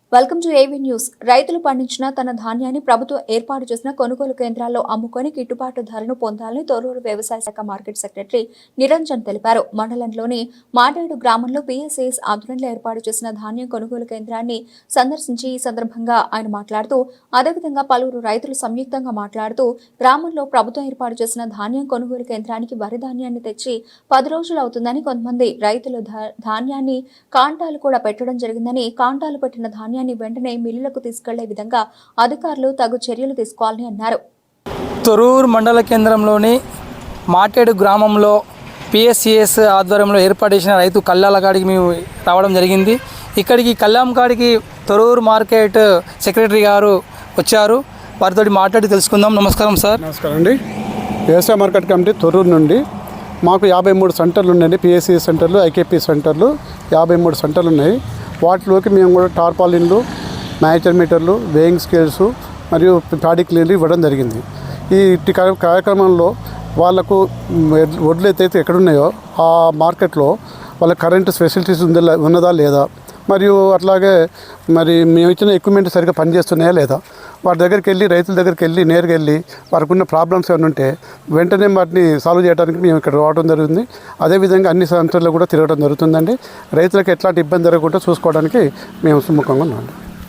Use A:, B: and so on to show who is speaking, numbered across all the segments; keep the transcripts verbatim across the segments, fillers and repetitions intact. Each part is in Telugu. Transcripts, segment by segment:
A: Welcome to AV news. రైతులు పండించిన తన ధాన్యాన్ని ప్రభుత్వం ఏర్పాటు చేసిన కొనుగోలు కేంద్రాల్లో అమ్ముకొని గిట్టుబాటు ధరను పొందాలని తొర్రూరు వ్యవసాయ శాఖ మార్కెట్ సెక్రటరీ నిరంజన్ తెలిపారు. మండలంలోని మాటేడు గ్రామంలో పీఎస్ఏఎస్ ఆధ్వర్యంలో ఏర్పాటు చేసిన ధాన్యం కొనుగోలు కేంద్రాన్ని సందర్శించి ఈ సందర్భంగా ఆయన మాట్లాడుతూ, అదేవిధంగా పలువురు రైతులు సంయుక్తంగా మాట్లాడుతూ, గ్రామంలో ప్రభుత్వం ఏర్పాటు చేసిన ధాన్యం కొనుగోలు కేంద్రానికి వరి ధాన్యాన్ని తెచ్చి పది రోజులు అవుతుందని, కొంతమంది రైతులు ధాన్యాన్ని కాంటాలు కూడా పెట్టడం జరిగిందని, కాంటాలు పెట్టిన ధాన్యం వెంటనే మిల్లులకు తీసుకెళ్లే విధంగా అధికారులు తగు చర్యలు తీసుకోవాలని అన్నారు.
B: తొర్రూరు మండల కేంద్రంలోని మాటేడు గ్రామంలో పిఎస్సిఎస్ ఆధ్వర్యంలో ఏర్పాటు చేసిన రైతు కల్లాల కాడికి మేము రావడం జరిగింది. ఇక్కడికి కల్లాం కాడికి తొర్రూరు మార్కెట్ సెక్రటరీ గారు వచ్చారు. వారితో మాట్లాడి తెలుసుకుందాం. నమస్కారం సార్.
C: నమస్కారం అండి. వ్యవసాయ మార్కెట్ కమిటీ తొర్రూరు నుండి మాకు యాభై మూడు సెంటర్లు ఉన్నాయండి. పిఎస్సిఎస్ సెంటర్లు, ఐకేపీ సెంటర్లు యాభై మూడు సెంటర్లు ఉన్నాయి. వాటిలోకి మేము కూడా టార్పాలిన్లు, మ్యాచర్ మీటర్లు, వేయింగ్ స్కేల్స్ మరియు ప్యాడీ క్లీన్లు ఇవ్వడం జరిగింది. ఈ కార్యక్రమంలో వాళ్లకు వడ్లు అయితే ఎక్కడున్నాయో ఆ మార్కెట్లో వాళ్ళ కరెంటు ఫెసిలిటీస్ ఉందా ఉన్నదా లేదా, మరియు అట్లాగే మరి మేము ఇచ్చిన ఎక్విప్మెంట్ సరిగ్గా పనిచేస్తున్నాయా లేదా, వారి దగ్గరికి వెళ్ళి రైతుల దగ్గరికి వెళ్ళి నేరుగా వెళ్ళి వారికి ఉన్న ప్రాబ్లమ్స్ ఏమైనా ఉంటే వెంటనే వాటిని సాల్వ్ చేయడానికి మేము ఇక్కడ రావడం జరుగుతుంది. అదేవిధంగా అన్ని సెంటర్లు కూడా తిరగడం జరుగుతుందండి. రైతులకు ఎట్లాంటి ఇబ్బంది జరగకుండా చూసుకోవడానికి మేము సుముఖంగా ఉన్నాం.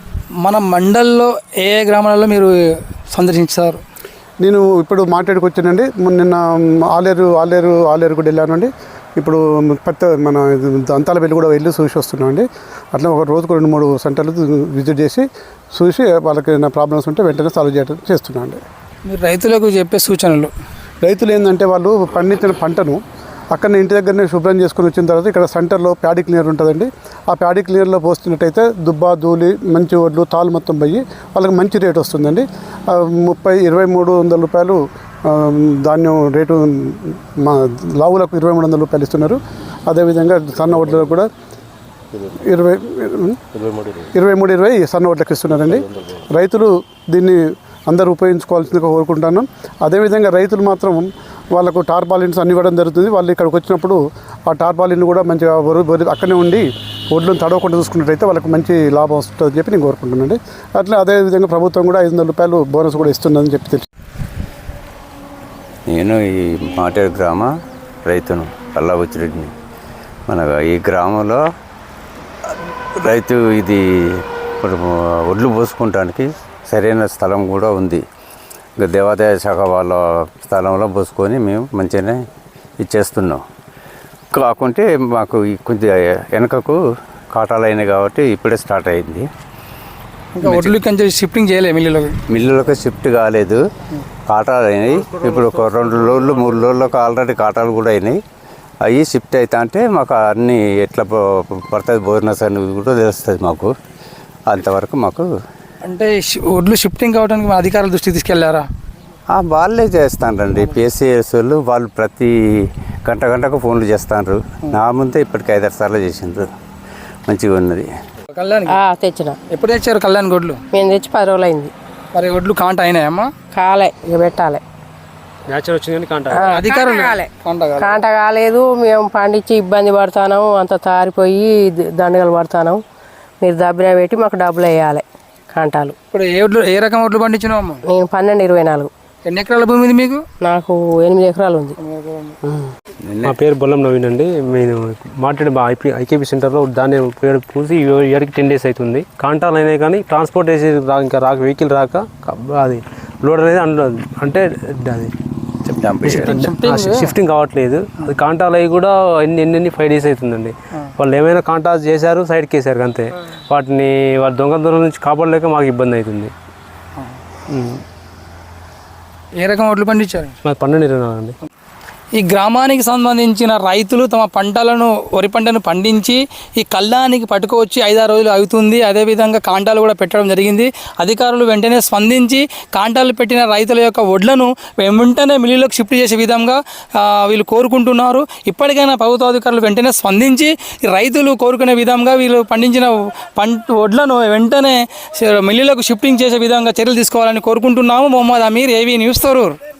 B: మన మండల్లో ఏ ఏ గ్రామాలలో మీరు సందర్శించారు?
C: నేను ఇప్పుడు మాట్లాడుకు వచ్చానండి. నిన్న ఆలేరు ఆలేరు ఆలేరు కూడా వెళ్ళానండి. ఇప్పుడు పెద్ద మన దంతాలపల్లి కూడా వెళ్ళి చూసి వస్తున్నాం అండి. అట్లా ఒక రోజుకు రెండు మూడు సెంటర్లు విజిట్ చేసి చూసి వాళ్ళకి ఏమైనా ప్రాబ్లమ్స్ ఉంటే వెంటనే సాల్వ్ చేయడం చేస్తున్నాం అండి.
B: మీరు రైతులకు చెప్పే సూచనలు?
C: రైతులు ఏంటంటే వాళ్ళు పండించిన పంటను అక్కడ ఇంటి దగ్గరనే శుభ్రం చేసుకుని వచ్చిన తర్వాత ఇక్కడ సెంటర్లో ప్యాడీ క్లీనర్ ఉంటుందండి. ఆ ప్యాడీ క్లీనర్లో పోస్తున్నట్టయితే దుబ్బ ధూళి మంచి వడ్లు తాలు మొత్తం పోయి వాళ్ళకి మంచి రేటు వస్తుందండి. ముప్పై ఇరవై మూడు వందల రూపాయలు ధాన్యం రేటు మా లావులకు ఇరవై మూడు వందల రూపాయలు ఇస్తున్నారు. అదేవిధంగా సన్న వడ్లకు కూడా ఇరవై ఇరవై మూడు ఇరవై సన్న వడ్లకు ఇస్తున్నారండి. రైతులు దీన్ని అందరూ ఉపయోగించుకోవాల్సిందిగా కోరుకుంటున్నాం. అదేవిధంగా రైతులు మాత్రం వాళ్ళకు టార్పాలిన్స్ అన్ని ఇవ్వడం జరుగుతుంది. వాళ్ళు ఇక్కడికి వచ్చినప్పుడు ఆ టార్పాలిన్ కూడా మంచిగా అక్కడనే ఉండి ఒడ్లను తడవకుండా చూసుకున్నట్టయితే వాళ్ళకి మంచి లాభం వస్తుందని చెప్పి నేను కోరుకుంటున్నానండి. అట్లా అదేవిధంగా ప్రభుత్వం కూడా ఐదు వందల రూపాయలు బోనస్ కూడా ఇస్తుందని చెప్పి తెలుసు.
D: నేను ఈ మాటేరు గ్రామ రైతును కల్లాబుచ్చిరెడ్డిని. మన ఈ గ్రామంలో రైతు ఇది ఇప్పుడు ఒడ్లు పోసుకోవడానికి సరైన స్థలం కూడా ఉంది. ఇంకా దేవాదాయ శాఖ వాళ్ళ స్థలంలో పోసుకొని మేము మంచిగానే ఇచ్చేస్తున్నాం. కాకుంటే మాకు కొద్దిగా వెనకకు కాటాలు అయినాయి కాబట్టి ఇప్పుడే స్టార్ట్ అయింది.
B: ఇంకా ఒడ్లు కొంచెం షిఫ్టింగ్ చేయలేదు మిల్లులకు
D: మిల్లులకు షిఫ్ట్ కాలేదు. కాటాలు అయినాయి. ఇప్పుడు ఒక రెండు రోజులు మూడు రోజులకు ఆల్రెడీ కాటాలు కూడా అయినాయి. అవి షిఫ్ట్ అవుతా అంటే మాకు అన్నీ ఎట్లా పడుతుంది బోనస్ అనేది కూడా తెలుస్తుంది మాకు. అంతవరకు మాకు
B: అంటే ఒడ్లు షిఫ్టింగ్ కావడానికి మా అధికారుల దృష్టికి తీసుకెళ్లారా?
D: వాళ్ళే చేస్తానండి. పిఎస్సిఎస్ వాళ్ళు వాళ్ళు ప్రతి గంట గంటకు ఫోన్లు చేస్తాను. నా ముందే ఇప్పటికి ఐదారు సార్లు చేసిండ్రు. మంచిగా ఉన్నది.
B: కళ్యాణ్
E: తెచ్చిన.
B: ఎప్పుడు తెచ్చారు కళ్యాణ్ గొడ్లు?
E: మేము తెచ్చి పది రోజులు అయింది.
B: మరి ఒడ్లు కాంట అయినాయమ్మా?
E: కాలే, ఇక పెట్టాలి.
B: అధికారులు
E: కాంట కాలేదు. మేము పండించి ఇబ్బంది పడుతున్నాం, అంత తారిపోయి దండగలు పడుతున్నాం. మీరు దబ్బిన పెట్టి మాకు డబ్బులు వేయాలి కాంటాలు.
B: ఇప్పుడు ఏ ఒడ్లు ఏ రకం ఒడ్లు పండించినావు అమ్మ?
E: నేను పన్నెండు ఇరవై నాలుగు.
B: ఎన్ని ఎకరాల భూమి ఉంది మీకు?
E: నాకు ఎనిమిది ఎకరాలు ఉంది.
F: మా పేరు బొల్లం నవీన్ అండి. నేను మాట్లాడి మా ఐపీ ఐకేపీ సెంటర్లో ధాన్యం పూసి ఇయర్కి టెన్ డేస్ అవుతుంది. కాంటాలు అయినాయి కానీ ట్రాన్స్పోర్ట్ వేసి ఇంకా రాక వెహికల్ రాక అది లోడ్ అనేది అందులో అంటే అది షిఫ్టింగ్ కావట్లేదు. అది కాంటాలు అవి కూడా ఎన్ని ఎన్ని ఎన్ని ఫైవ్ డేస్ అవుతుందండి. వాళ్ళు ఏమైనా కాంటాలు చేశారు, సైడ్కి వేసారు అంతే. వాటిని వాళ్ళ దొంగ దొంగల నుంచి కాపాడలేక మాకు ఇబ్బంది అవుతుంది.
B: ఏ రకం ఒడ్లు పండించారు?
F: మాకు పన్నెండు ఇరవై నాలుగు అండి.
B: ఈ గ్రామానికి సంబంధించిన రైతులు తమ పంటలను వరి పంటను పండించి ఈ కళ్ళానికి పట్టుకోవచ్చి ఐదారు రోజులు అవుతుంది. అదేవిధంగా కాంటాలు కూడా పెట్టడం జరిగింది. అధికారులు వెంటనే స్పందించి కాంటాలు పెట్టిన రైతుల యొక్క వడ్లను వెంటనే మిల్లులకు షిఫ్ట్ చేసే విధంగా వీళ్ళు కోరుకుంటున్నారు. ఇప్పటికైనా ప్రభుత్వ అధికారులు వెంటనే స్పందించి రైతులు కోరుకునే విధంగా వీళ్ళు పండించిన పంట వడ్లను వెంటనే మిల్లులకు షిఫ్టింగ్ చేసే విధంగా చర్యలు తీసుకోవాలని కోరుకుంటున్నాము. Mohammed Aamir, AV news, Thorrur.